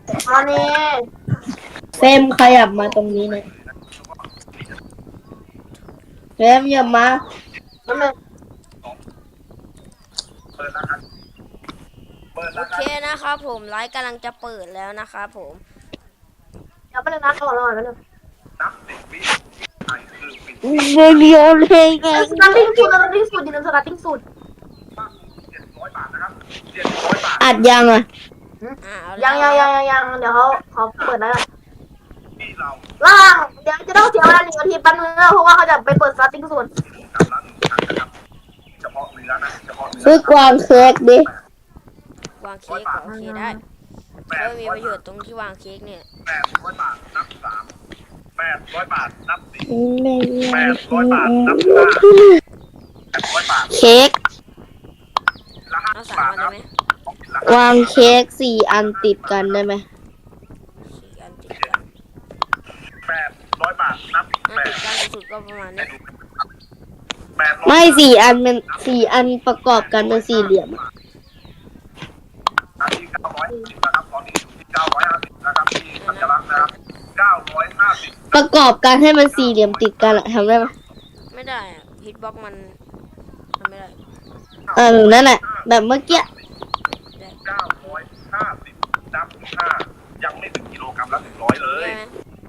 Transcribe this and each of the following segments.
ตอนนี้เฟรมขยับมาตรงนี้นะเฟรมอย่ามาแป๊บนึงโอเคนะครับผมไลฟ์กำลังจะเปิดแล้วนะครับผมเดี๋ยวแป๊บนึงนะรอแป๊บนึงเรียวเลยไงสตาร์ติ้งสูตรสตาร์ติ้งสูตรดินสตาร์ติ้งสูตรอัดยังอ่ะยังเดี๋ยวเขาเปิดแล้วล่างเดี๋ยวจะต้องเสียเวลา1 นาทีแป๊บนึงเพราะว่าเขาจะไปเปิดสตาร์ติ้งสูตรซื้อกวางเค้กดิวางเค้กโอเคได้ก็มีประโยชน์ตรงที่วางเค้กเนี่ย 800 บาทนับ3 800 บาทนับ4 ไม่ 800 บาทนับ5 800 บาทเค้กเอา3 อันได้ไหมวางเค้ก4 อันติดกันได้ไหม 4 อันติดกัน 800 บาทนับถ้าติดกันสุดก็ประมาณนี้ 800 ไม่4 อันเป็น4 อันประกอบกันเป็นสี่เหลี่ยมอะที่950นะครับตอนนี้อยู่ที่950นะครับที่สัญลักษณ์นะครับ950 ประกอบกันให้มันสี่เหลี่ยมติดกันอะทำได้ไหมไม่ได้อะฮิตบ็อกมันทำไม่ได้นั่นแหละแบบเมื่อกี้ได้ 950นับ5ยังไม่ถึงกิโลกรัมละ100เลยได้ไหม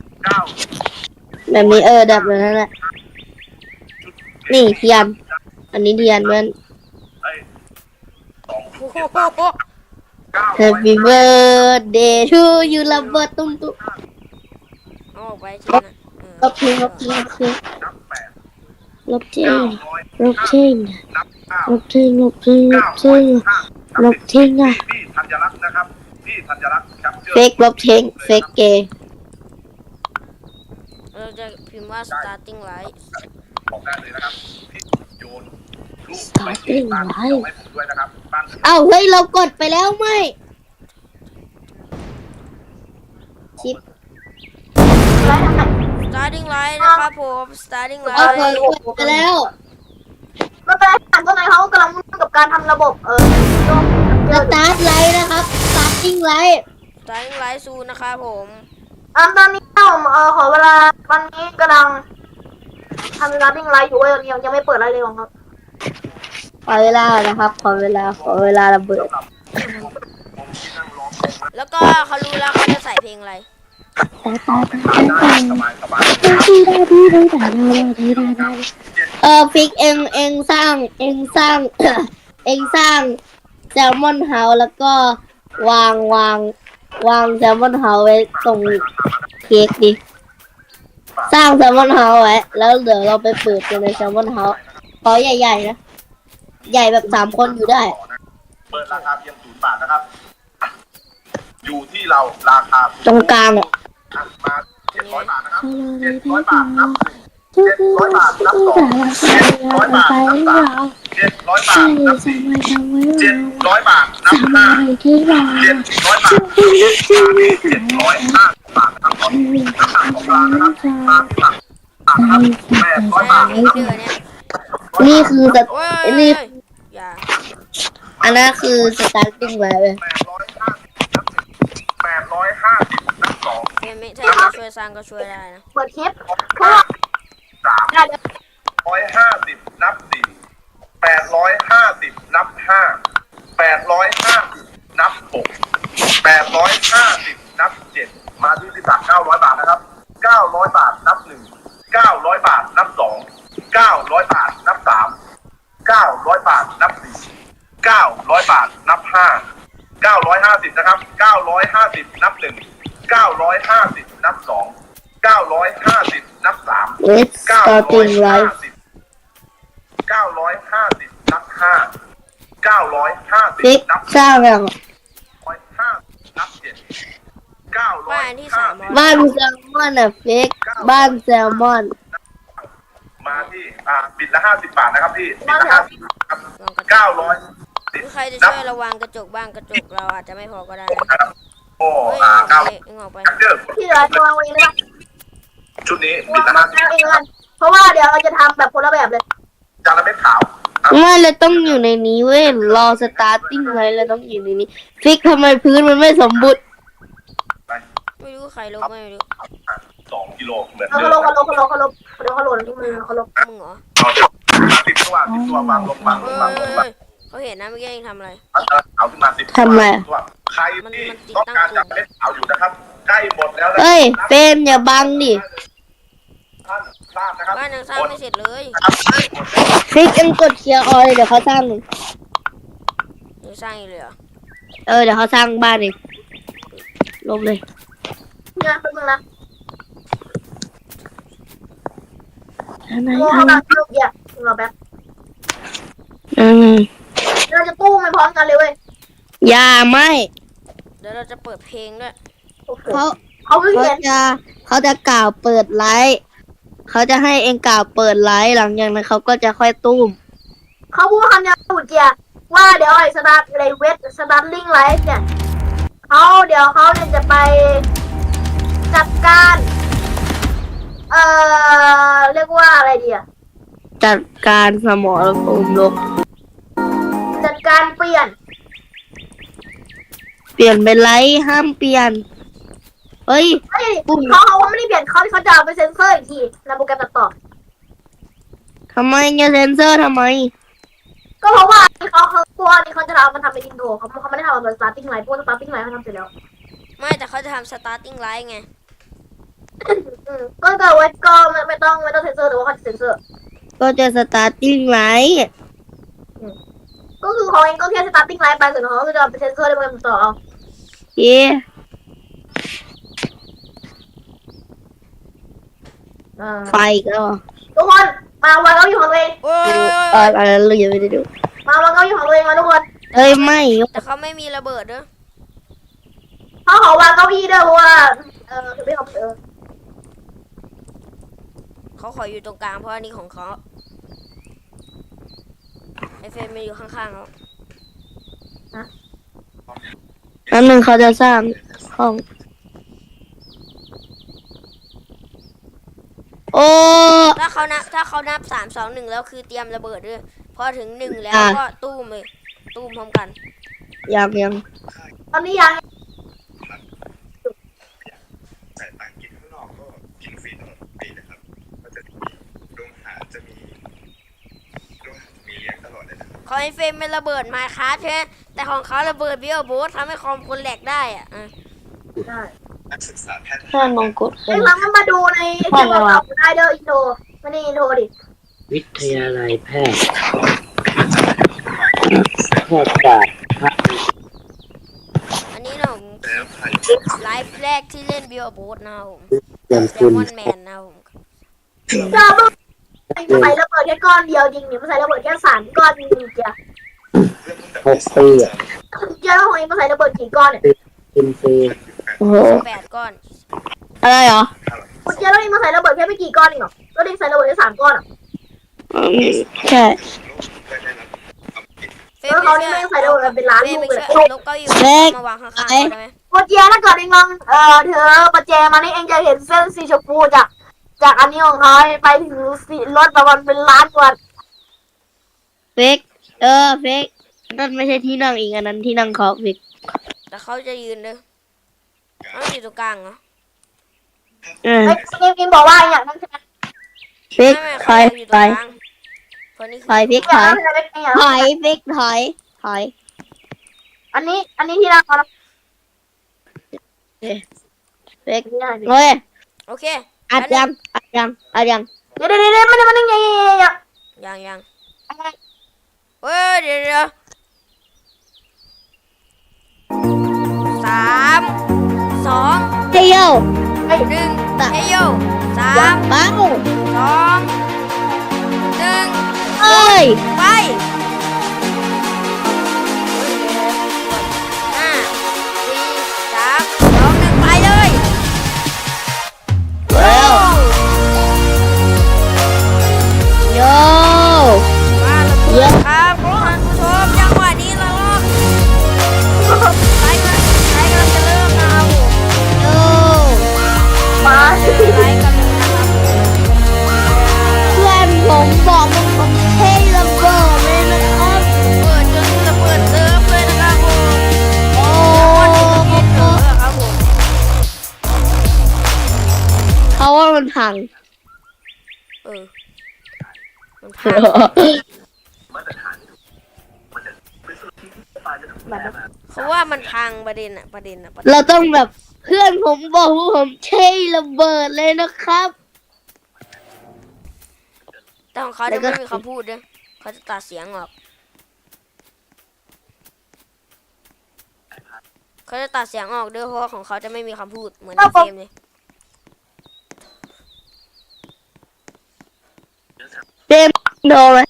9 แบบนี้แบบนั้นแหละนี่เทียนอันนี้เทียนมันเอ้ยโอ้โห Happy birthday to you ระเบิดตุ้มตุ้มเอาออกไปใช่ไหมลบทิ้งลบทิ้งลบทิ้งนับ8 ลบทิ้งลบ 900 ทิ้งนับ9 ลบทิ้งลบทิ้งลบทิ้งลบทิ้งอ่ะพี่ธัญรักษ์นะครับพี่ธัญรักษ์ครับเฟกลบทิ้งเฟกเกย์เราจะพิมพ์ว่า starting light บอกได้เลยนะครับพี่โยนลูก Starting บ้าน light ให้ผมด้วยนะครับบ้านเอ้าเฮ้ยเรากดไปแล้วไม่ชิป starting light นะครับผม starting เอา light กดไปแล้วไม่เป็นไรถามตัวไหนเขากำลังมุ่งกับการทำระบบสตาร์ทไลท์นะครับสตาร์ทติ้งไลท์ starting light ซูนะครับผมตอนนี้ผมขอเวลาวันนี้กำลังทำสตาร์ติ้งไลฟ์อยู่ยังไม่เปิดอะไรเลยของเขาขอเวลานะครับขอเวลาระเบิดแล้วก็เขารู้แล้วเขาจะใส่เพลงอะไรสบายสบายฟิกเองสร้างเองสร้าง เองสร้างแซลมอนเฮาส์แล้วก็วางแซลมอนเฮาส์ไว้ตรงเค้กดิสร้างแซลมอนเฮาส์ไว้แล้วเดี๋ยวเราไปเปิดกันในแซลมอนเฮาส์ขอใหญ่ๆนะใหญ่แบบ3 คนอยู่ได้เปิดราคาเพียง0 บาทนะครับอยู่ที่เราราคาตรงกลางอ่ะมา700 บาทนะครับ700 บาทนับ700 บาทนับ2 700 บาทนับ3 700 บาทนับ4 700 บาทนับ5 700 บาท705 บาทนะครับตอนนี้น้ำหนักของร้านนะครับมาที่หลัก800 บาทนับเดือนเนี้ยนี่คือสโอ้ยนี่อย่าอันนั้นคือสตาร์ติ้งไว้เลย 850นับ2 เพื่อนไม่ถ้าจะช่วยสร้างก็ช่วยได้นะเปิดคลิปเพราะว่า 3 น่าจะ 150นับ4 850นับ5 850นับ6 850นับ7มาที่ศักดิ์900 บาทนะครับ900 บาทนับ1 900 บาทนับ2 900 บาทนับ3 900 บาทนับ4 900 บาทนับ5 950นะครับ950นับ1 950นับ2 950นับ3 เอสสตาร์ติ้งไลท์ 950นับ5 950 ฟิกนับสร้างอย่าง 5นับ7 บ้านที่300 บ้านแซลมอนอ่ะฟิกบ้านแซลมอนมาที่บิดละ50 บาทนะครับพี่บิดละ50ครับวางกระจก 900 ใครจะช่วยระวังกระจกบ้างกระจกเราอาจจะไม่พอก็ได้นะนะครับโอ้เฮ้ย 9 ออกไปเด้อที่เหลือจะวางไว้เลยนะชุดนี้บิวาดงละเองกันเพราะว่าเดี๋ยวเราจะทำแบบคนละแบบเลย 50จานละเม็ดขาวไม่เลยต้องอยู่ในนี้เว้ยรอสตาร์ติ้งไว้แล้วต้องอยู่ในนี้ฟิกทำไมพื้นมันไม่สมบูรณ์ไม่รู้ใครลบไม่รู้ 2 กิโลเหมือนเขาเดิลมงเขาลงเขาลงเขาลงเดี๋ยวเขาลงที่มือเขาลงมึงเหรอเอา10 ตัววางลงวางเฮ้ลงวางลงวางยเขาเห็นนะเมื่อกี้เองทำอะไรเอาขึ้นมา10 ตัวทำไมตัวใครที่ต้องการจะเล่นเอาอยู่นะครับใกล้หมดแล้วนะเอ้ยเฟรมอย่าบังดิท่านทราบนะครับบ้านยังสร้างไม่เสร็จเลยฟิกเอ็งกดเคลียร์ออยเดี๋ยวเขาสร้างยังสร้างอีกเลยเหรอเดี๋ยวเขาสร้างบ้านเองลบเลยเนี่ยเป็นมึงนะอะไรโง่เขาแบบลูกเยอะเราแบบอืมเราจะตู้ไม่พร้อมกันเลยเว้ยอย่าไม่เดี๋ยวเราจะเปิดเพลงด้วยโอ้โหเขาเขาเพิ่งเห็นเขาจะกล่าวเปิดไลฟ์เขาจะให้เองกล่าวเปิดไลฟ์หลังจากนั้นเขาก็จะค่อยตุ้มเขาพูดคำนี้ถูกเจียว่าเดี๋ยวไอ้สตาร์ทอะไรเวทสตาร์ลิงไลฟ์เนี่ยเดี๋ยวเขาเนี่ยจะไปจัดการ เรียกว่าอะไรดีอะจัดการสมรภูมิลบจัดการเปลี่ยนเปลี่ยนเป็นไลฟ์ห้ามเปลี่ยนเฮ้ยเฮ้ยเขาไม่ได้เปลี่ยนเขาจะเอาไปเซ็นเซอร์อีกทีในโปรแกรมตัดต่อทำไมจะเซนเซอร์ทำไมก็เพราะว่าเขากลัวนี่เขาจะเอามันทำเป็นอินโทรเขาไม่ได้ทำเป็นสตาร์ติ้งไลฟ์พวกสตาร์ติ้งไลฟ์เขาทำเสร็จแล้วไม่แต่เขาจะทำ starting line ไงก็เกิดไว้ก็ไม่ต้องเซ็นเซอร์แต่ว่าเขาจะเซ็นเซอร์ก็จะสตาร์ติ้งไลฟ์ก็คือเขาเองก็แค่สตาร์ติ้งไลฟ์ไปส่วนเขาก็จะเอาไปเซ็นเซอร์ในโปรแกรมตัดต่อเอาเอ๊ะ ไฟก็ทุกคนมาวางเก้าอี้ของตัวเองโอ้ยอะไรเรายังไม่ได้ดูมาวางเก้าอี้ของตัวเองมาทุกคนเอ้ยไม่แต่เขาไม่มีระเบิดด้วยเขาขอวางเก้าอี้ด้วยเพราะว่าคือไม่เขาเขาขออยู่ตรงกลางเพราะอันนี้ของเขาไอเฟรมมันอยู่ข้างๆเขานั่นหนึ่งเขาจะสร้างห้อง โอ้ถ้าเขานับ3 2 1แล้วคือเตรียมระเบิดด้วยพอถึง1แล้วก็ตู้มเลยตู้มพร้อมกันยังตอนนี้ยังแต่ต่างกินข้างนอกก็กินฟรีตลอดปีนะครับก็จะโรงอาหารจะมีเลี้ยงตลอดเลยนะของไอเฟรมเป็นระเบิดไมค์คราฟใช่ไหมแต่ของเขาระเบิดบิโอโบสทำให้คอมคนแหลกได้อ่ะได้นักศึกษาแพทย์ถ้ามองกดเอ้ยเรามาดูในที่เราได้เดอร์อินโทรไม่ได้อินโทรดิวิทยาลัยแพทย์แพทย์ศาสตร์อันนี้นะผมแล้วใครไลฟ์แรกที่เล่นบิโอโบสนะครับผมเรียนแซคุลณมอนแมนนะครับผมจะมันใส่ระเบิดแค่ก้อนเดียวจริงเนี่ยมันใส่ระเบิดแค่3 ก้อนจริงๆเจีย 6 ปีอ่ะเจียของเองมันใส่ระเบิดกี่ก้อนเนี่ยกินฟรีโอ้โห 8 ก้อนอะไรเหรอคุณเจียแล้วเองมันใส่ระเบิดแค่ไม่กี่ก้อนเองเหรอแล้วเองใส่ระเบิดแค่3 ก้อนอ่ะใช่เฟรแล้วเขานี่ไม่ใส่ระเบิดเป็นล้านเฟรลูมกไปเลยช่วยลบเก้าอี้มาวางข้างๆเขาได้ไหมคุณเจียถ้าเกิดเองลองเธอประแจมานี่เองจะเห็นเส้นสีชมพูจากอันนี้ของเขาไปถึงสีรถประมาณเป็นล้านกว่าเฟกเฟกนั่นไม่ใช่ที่นั่งอีกอันนั้นที่นั่งเขาเฟกแต่เขาจะยืนเลยเขาอยู่ตรงกลางเหรอเออเองบอกว่าอย่างนั้นใช่ไหมเฟกไม่ถอยเขาอยู่ตถรอง ยกลางคนนี้ถอยเฟกอถย่างอยนั้นใช่ไหมเองอย่างถนั้นอยเฟกถอยอันนี้ที่นั่งเขานะเฟกนี่ได้เฮ้ยโอเคอัดยังเดี๋ยวมันยังยังเฮ้ยเดี๋ยว3 2 เฮ้ยโย 1เฮโย3 เบ้า 2 1 เอ้ยไป5 4 3 2 1ไปเลยเร็วโยมาแล้วครับท่านผู้ชมจังหวะนี้เราไลฟ์กำลังจะเริ่มนะครับโยมาไลฟ์กันเลยนะครับเพื่อนผมบอกมันให้ระเบิดเลยนะว่ามันพังเออมันพังเขาว่ามันพังประเด็นอะประเด็นเราต้องแบบเพื่อนผมบอกว่าผมใช้ระเบิดเลยนะครับแต่ของเขาจะไม่มีคำพูดด้วยเขาจะตัดเสียงออกเขาจะตัดเสียงออกด้วยเพราะว่าของเขาจะไม่มีคำพูดเหมือนในเกมเลยเต็มโดนไหม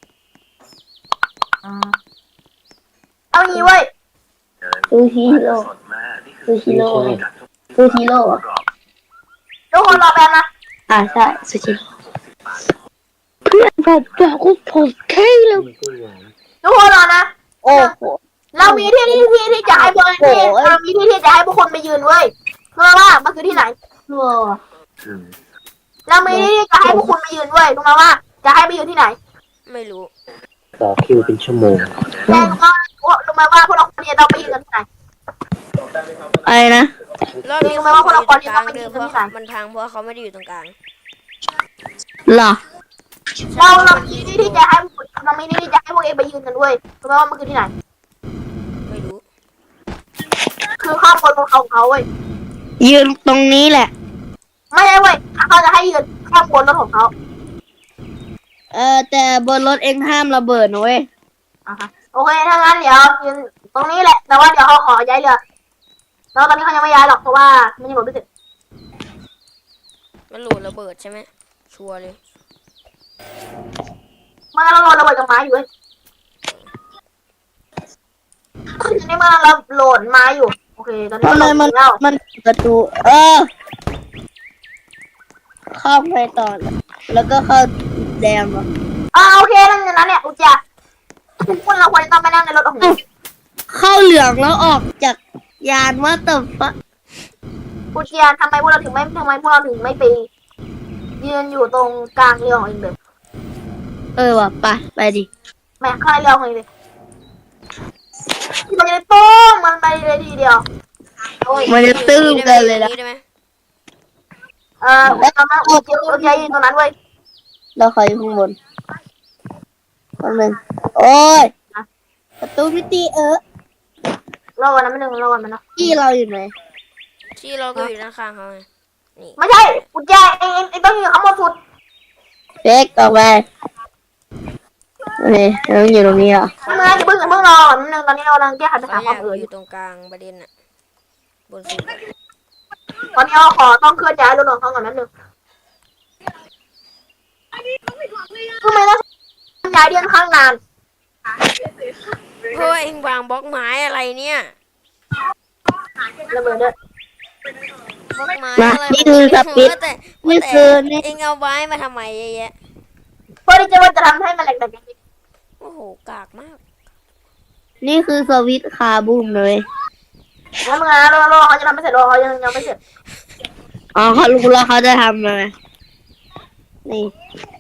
เอางี้เว้ยซูชิโร่ซูชิโร่ซูชิโร่อะทุกคนรอแป๊บนะใช่ซูชิโร่เพื่อนผมบอกว่าผมใช้ระมันก็หวานทุกคนรอนะโอ้โหเรามีที่จะให้พวกเรามีที่จะให้พวกคนไปยืนเว้ยเพื่อว่ามันคือที่ไหนโอ้เรามีที่จะให้พวกคุณไปยืนเว้ยรู้ไหมว่าจะให้ไปยืนที่ไหนไม่รู้ต่อคิวเป็นชั่วโมงแต่รู้ไหมว่าพวกเราควรจะต้องไปยืนกันที่ไหนอะไรนะรอบนี้รู้ไหมเขาว่าพวกเราอควรยู่จะตรงกต้ลาองงไปเดิยืมนเพกันราะที่ไหนมันพังเพราะเขาไม่ได้อยู่ตรงกลางเหรอเรามีที่จะให้เรามีที่จะให้พวกเองไปยืนกันเว้ยรู้ไหมว่ามันคือที่ไหนไม่รู้คือข้ามบนของเขาเว้ยยืนตรงนี้แหละไม่ใช่เว้ยเขาจะให้ยืนข้ามบนรถของเขาแต่บนรถเองห้ามระเบิดนะเว้ยโอเคถ้างั้นเดี๋ยวยืนตรงนี้แหละแต่ว่าเดี๋ยวเขาขอย้ายเรือแล้วตอนนี้เขายังไม่ย้ายหรอกเพราะว่ามันยังหมดไม่เสร็จมันโหลดระเบิดใช่ไหมชัวร์เลยมันกำลังโหลดระเบิดกับไม้อยู่เว้ยตอนนี้มันกำลังโหลดไม้อยู่โอเคตอนนี้ทำไมมันมันประตู เข้าไปต่อแล้วก็เข้าแดงเหรอโอเคนั่นอย่างนั้นเนี่ยอุจจาคุณเราควรจะต้องไปนั่งในรถของเข้าเหลืองแล้วออกจากยานว่าแต่ฟะอุจจาทำไมพวกเราถึงไม่ไปยืนอยู่ตรงกลางเรือของเองเลยว่ะไปดิแม่ข้างในเรือของเองเลยมันจะได้โป้งมันไปเลยทีเดียวมันจะตื้มกันเลยนะได้ไหมตอนนั้นอุจจายืนตรงนั้นเว้ยเราขออยู่ข้างบนคนหนึ่งโอ้ยประตูมิติรอวันนั้นไม่หนึ่งรอวันมันนะที่เราอยู่ไหนที่เราก็อยู่ด้านข้างเขาไงนี่ไม่ใช่อุจจาเองต้องอยู่ข้างบนสุดเฟกออกไปนี่เราอยู่ตรงนี้เหรอไม่เมื่ออย่าเพิ่งรอนิดนึงตอนนี้เรากำลังแก้ไขปัญหาเขาคามเอ๋ยอายกอยู่ตรงกลางประเด็นอะบนสุดอะตอนนี้เราขอต้องเคลื่อนย้ายรถของเขาก่อนนิดนึงทำไมต้องย้ายเดือนข้างนานเพราะว่าเองวางบล็อกไม้อะไรเนี่ยระเบิดด้วยบล็อกไม้มาอะไรนี่คือสปิดแต่นี่คือนี่เองเอาไว้มาทำไมเยอะแยะเพื่อที่จะทำให้มันแหลกแต่จริงโอ้โหกากมากนี่คือสวิตช์คาบูมเลยแล้วมึงนะรอเขาจะทำไม่เสร็จรอเขายังไม่เสร็จเขารู้แล้วเขาจะทำอะไรนี่